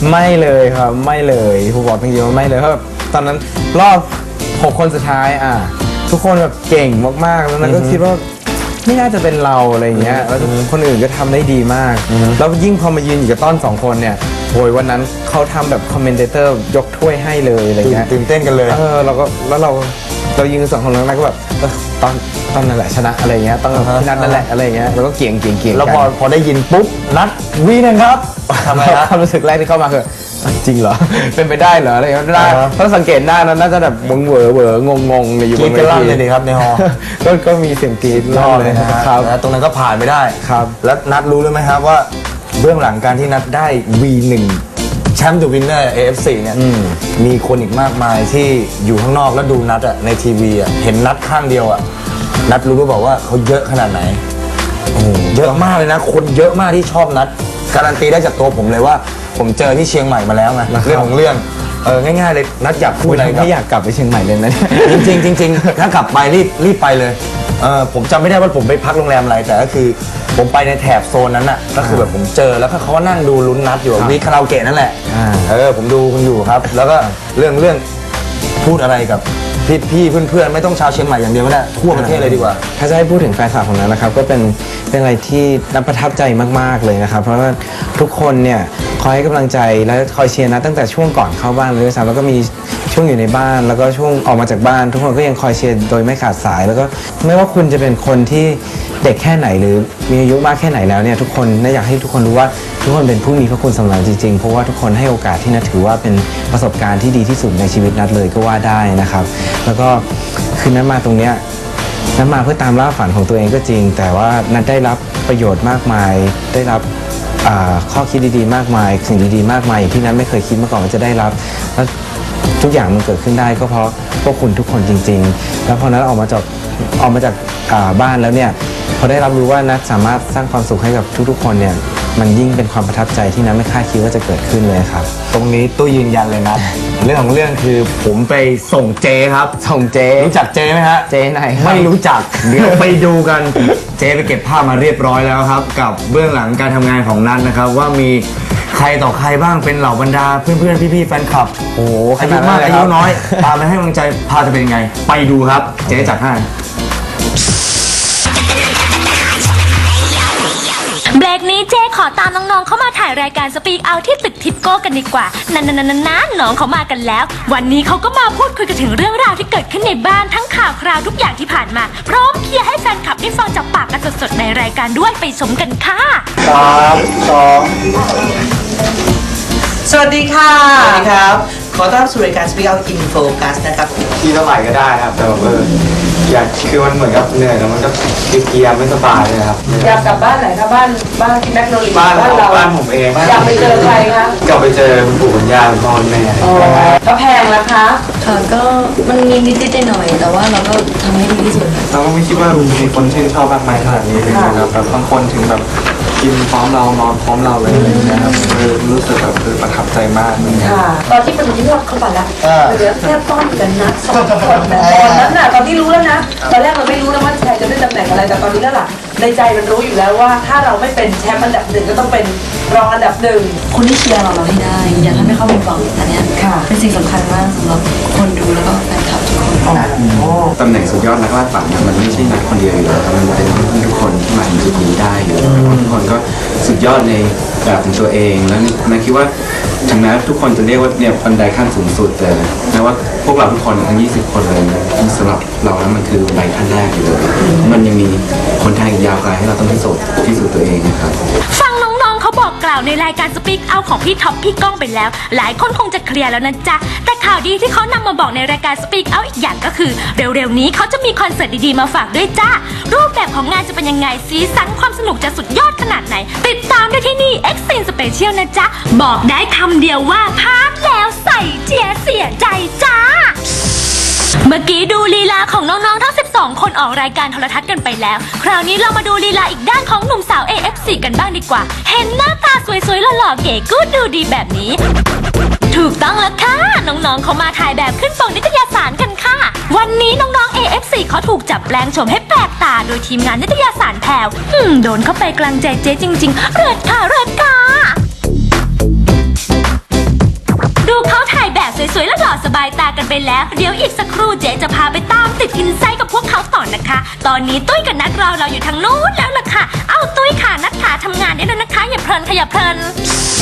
ไม่เลยครับไม่เลยผมบอกจริงๆว่าไม่เลยเพราะแบบตอนนั้นรอบ6 คนสุดท้ายทุกคนแบบเก่งมากๆแล้วนั้นก็คิดว่าไม่น่าจะเป็นเราอะไรเงี้ยแล้วคนอื่นก็ทำได้ดีมากแล้วยิ่งพอมายืนอยู่กับต้น2 คนเนี่ยโอยวันนั้นเขาทำแบบคอมเมนเตอร์ยกถ้วยให้เลยอะไรเงี้ยตื่นเต้นกันเลยเรายืน2 คนแล้วก็แบบตอนนั่นแหละชนะอะไรเงี้ยต้องพี่นัทนั่นแหละอะไรเงี้ยแล้วก็เกี่ยงแล้วพอได้ยินปุ๊บนัดวีนะครับทำไมครับความรู้สึกแรกที่เข้ามาคือจริงเหรอเป็นไปได้เหรออะไรเงี้ยได้เพราะสังเกตหน้านั้นน่าจะแบบเหวองงอยู่บนเวทีเลยดีครับในฮอก็มีเสียงกรี๊ดลั่นเลยครับตรงนั้นก็ผ่านไม่ได้ครับแล้วนัดรู้เลยไหมครับว่าเบื้องหลังการที่นัดได้ V1 แชมป์ดูวินเนอร์ AFC เนี่ยมีคนอีกมากมายที่อยู่ข้างนอกแล้วดูนัดในทีวีเห็นนัดข้างเดียวนัดรู้หรือเปล่าว่าเขาเยอะขนาดไหนเยอะมากเลยนะคนเยอะมากที่ชอบนัดการันตีได้จากตัวผมเลยว่าผมเจอที่เชียงใหม่มาแล้วไงเรื่องของเรื่องง่ายๆเลยนัดอยากพูดอะไรไม่อยากกลับไปเชียงใหม่เลยนะจริงถ้ากลับไปรีบไปเลยผมจำไม่ได้ว่าผมไปพักโรงแรมอะไรแต่ก็คือผมไปในแถบโซนนั้นน่ะก็คือแบบผมเจอแล้วก็เขาก็นั่งดูลุ้นนัดอยู่มีคาราโอเกะนั่นแหละผมดูคุณอยู่ครับแล้วก็เรื่องพูดอะไรกับพี่เพื่อนไม่ต้องชาวเชียงใหม่อย่างเดียวก็ได้ทั่วประเทศเลยดีกว่าถ้าจะให้พูดถึงแฟนคลับของนั้นนะครับก็เป็นอะไรที่น่าประทับใจมากๆเลยนะครับเพราะว่าทุกคนเนี่ยคอยให้กำลังใจและคอยเชียร์นะตั้งแต่ช่วงก่อนเข้าบ้านเลยซ้ำแล้วก็มีช่วงอยู่ในบ้านแล้วก็ช่วงออกมาจากบ้านทุกคนก็ยังคอยเชียร์โดยไม่ขาดสายแล้วก็ไม่ว่าคุณจะเป็นคนที่เด็กแค่ไหนหรือมีอายุมากแค่ไหนแล้วเนี่ยทุกคนน่าอยากให้ทุกคนรู้ว่าทุกคนเป็นผู้มีพระคุณสำหรับจริงๆเพราะว่าทุกคนให้โอกาสที่นัทถือว่าเป็นประสบการณ์ที่ดีที่สุดในชีวิตนัทเลยก็ว่าได้นะครับแล้วก็คือนัทมาตรงเนี้ยนัทมาเพื่อตามล่าฝันของตัวเองก็จริงแต่ว่านัทได้รับประโยชน์มากมายได้รับข้อคิดดีๆมากมายสิ่งดีๆมากมายที่นัทไม่เคยคิดมาก่อนว่าจะได้รับแล้วทุกอย่างมันเกิดขึ้นได้ก็เพราะพวกคุณทุกคนจริงๆแล้วพอนัทออกมาจากบ้านแล้วเนี่ยพอได้รับรู้ว่านัทสามารถสร้างความสุขให้กับทุกๆคนเนี่ยมันยิ่งเป็นความประทับใจที่นัทไม่คาดคิดว่าจะเกิดขึ้นเลยครับตรงนี้ตู้ยืนยันเลยนะเรื่องของเรื่องคือผมไปส่งเจครับส่งเจรู้จักเจไหมฮะเจไหนไม่รู้จักเดี๋ยวไปดูกันเจไปเก็บภาพมาเรียบร้อยแล้วครับกับเบื้องหลังการทำงานของนัทนะครับว่ามีใครต่อใครบ้างเป็นเหล่าบรรดาเพื่อนๆพี่ๆแฟนคลับโอ้อายุมากอายุน้อยตามไปให้กำลังใจพาจะเป็นยังไงไปดูครับเจ๊จัดให้เบรกนี้เจ๊ขอตามน้องๆเข้ามาถ่ายรายการสปีกเอาที่ตึกทิปโก้กันดีกว่านั่นน้องเขามากันแล้ววันนี้เขาก็มาพูดคุยกันถึงเรื่องราวที่เกิดขึ้นในบ้านทั้งข่าวคราวทุกอย่างที่ผ่านมาพร้อมเคลียร์ให้แฟนคลับได้ฟังจากปากกันสดๆในรายการด้วยไปชมกันค่ะ 3 2 สวัสดีค่ะสวัสดีครับขอต้อนรับสู่รายการ Speak Out in Focus นะครับที่เท่าไหร่ก็ได้ครับแต่แบบอยากคือมันเหมือนกับเหนื่อยแล้วมันก็เกียร์ไม่สบายเลยครับอยากกลับบ้านไหนครับบ้านที่แมกโนลีบ้านเราบ้านผมเองอยากไปเจอใครคะกลับไปเจอคุณปู่คุณย่าคุณพ่อคุณแม่แล้วแพงล่ะคะค่ะก็มันมีนิดๆหน่อยแต่ว่าเราก็ทำให้ดีที่สุดเราก็ไม่คิดว่ามีคนชื่นชอบมากมายขนาดนี้เลยนะครับแบบบางคนถึงแบบกินพร้อมเรานอนพร้อมเราเลยนะครับรู้สึกแบบประทับใจมากค่ะตอนที่เป็นที่เราเข้าไปแล้วเหลือแค่ต้นกันนะ2 คนแต่ตอนนั้นน่ะตอนที่รู้แล้วนะตอนแรกเราไม่รู้แล้วว่าใครจะได้ตำแหน่งอะไรแต่ตอนนี้แล้วล่ะในใจมันรู้อยู่แล้วว่าถ้าเราไม่เป็นแชมป์อันดับ1ก็ต้องเป็นรองอันดับ1 คนที่เชียร์เราให้ได้อย่าทำให้เขาผิดหวังอันนี้เป็นสิ่งสำคัญมากสำหรับคนดูแล้วก็แฟนคลับทุกคนตำแหน่งสุดยอดนักล่าฝันมันไม่ใช่นักคนเดียวอยู่แล้วมันเป็นทุกคนที่มาถึงจุดนี้ได้อยู่ทุกคนก็สุดยอดในแบบของตัวเองแล้วนัทคิดว่าถึงแม้ทุกคนจะเรียกว่าเนี่ยบันไดขั้นสูงสุดแต่แม้ว่าพวกเราทุกคนทั้ง20 คนเลยสำหรับเราแล้วมันคือบันไดขั้นแรกอยู่เลยมันยังมีคนทางอีกยาวไกลให้เราต้องพิสูจน์ตัวเองนะครับฟังน้องๆเขาบอกกล่าวในรายการสปีกเอาของพี่ท็อปพี่ก้องไปแล้วหลายคนคงจะเคลียร์แล้วนะจ๊ะแต่ข่าวดีที่เขานำมาบอกในรายการสปีกเอาอีกอย่างก็คือเร็วๆนี้เขาจะมีคอนเสิร์ตดีๆมาฝากด้วยจ้ารูปแบบของงานจะเป็นยังไงสีสันความสนุกจะสุดยอดขนาดไหนติดตามได้ที่นี่ X-Scene Special นะจ๊ะบอกได้คำเดียวว่าพลาดแล้วใส่เจียเสียใจจ้าเมื่อกี้ดูลีลาของน้องๆทั้ง12คนออกรายการโทรทัศน์กันไปแล้วคราวนี้เรามาดูลีลาอีกด้านของหนุ่มสาว AFC กันบ้างดีกว่าเห็นหน้าตาสวยๆหล่อๆเก๋กู๊ดดูดีแบบนี้ถูกต้องแล้วค่ะน้องๆเขามาถ่ายแบบขึ้นปกนิตยสารกันค่ะวันนี้น้องๆ AFC เขาถูกจับแปลงโฉมให้แปลกตาโดยทีมงานนิตยสารแพรวโดนเข้าไปกลางใจเจ๊จริงๆเริดค่ะสบายตากันไปแล้วเดี๋ยวอีกสักครู่เจ๊จะพาไปตามติดอินไซต์กับพวกเขาต่อนะคะ ตอนนี้ตุ้ยกับนัดเราอยู่ทางนู้นแล้วล่ะค่ะเอ้าตุ้ยค่ะนัดขาทำงานได้แล้วนะคะอย่าเพลินค่ะอย่าเพลิน